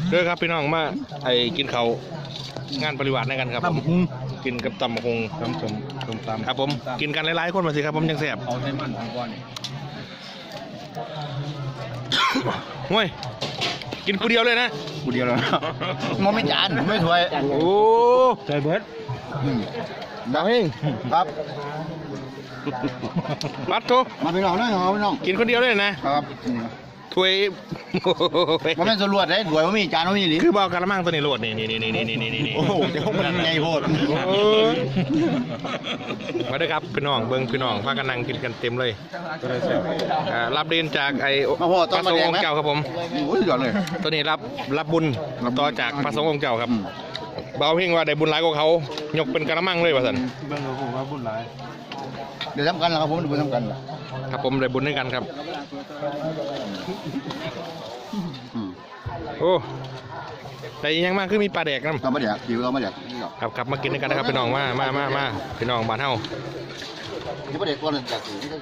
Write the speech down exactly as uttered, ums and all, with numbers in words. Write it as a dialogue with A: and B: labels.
A: เด้อครับพี่น้องมาไอ้กินเขางานปริวาสในกันครับผมกินกับตำบักหง
B: ตำสมตำตำ
A: ครับผมกินกันหลายๆคนมาสิครับผมยังแซ่บ
B: เอาใส่มันทางก้อนนี่
A: ห่วยกินผู้เดียวเลยนะ
B: กูเดียวแล้วมันไม่จานไม่ถ้วย
A: โอ้
B: ใส่เบิร์ด
A: ดาวเฮง
B: ครับ
A: ปัดโต
B: มาพี่น้องนะเอาพี่น้อง
A: กินคนเดียวเลยนะครับ ถ้วย
B: มันเป็นสรวดได้ถ้วยมันมีจานมันมีหรือ
A: คือเบากระมังตัวนี้โหลดนี่นี่นี่นี่นี่นี่นี่
B: โอ้โหเดี๋ยวมันใหญ่โพด
A: โอ้ยมาด้วยครับพี่น้องเบิ้งพี่น้องพากันนั่งกินกันเต็มเลยอ่ารับเรียนจากไอ้พระสงฆ์องค์เจ้าครับผม
B: โอ้ยยอดเลย
A: ตัวนี้รับรับบุญต่อจากพระสงฆ์องค์เจ้าครับ
B: อืม
A: เบาเพ่งว่าได้บุญหลายกว่าเขายกเป็นกระมังเลยว่าสัน
B: เบิ่งผมว่าบุญหลายเดี๋ยวทำกันแล้วครับผมเดี๋ยวทำกันล่ะ
A: ครับผมได้บุญด้วยกันครับ
B: อืม
A: โอ้แต่ยังมากคือมีปลาแดกน้ำ
B: เราไม่แดกคิวเราไม่แดกนี่หรอก
A: ครับครับมากินด้วยกันนะครับพี่น้องมามามามาพี่น้องบ้านเฮา
B: นี่ไม่แดกก้อนเลยแดก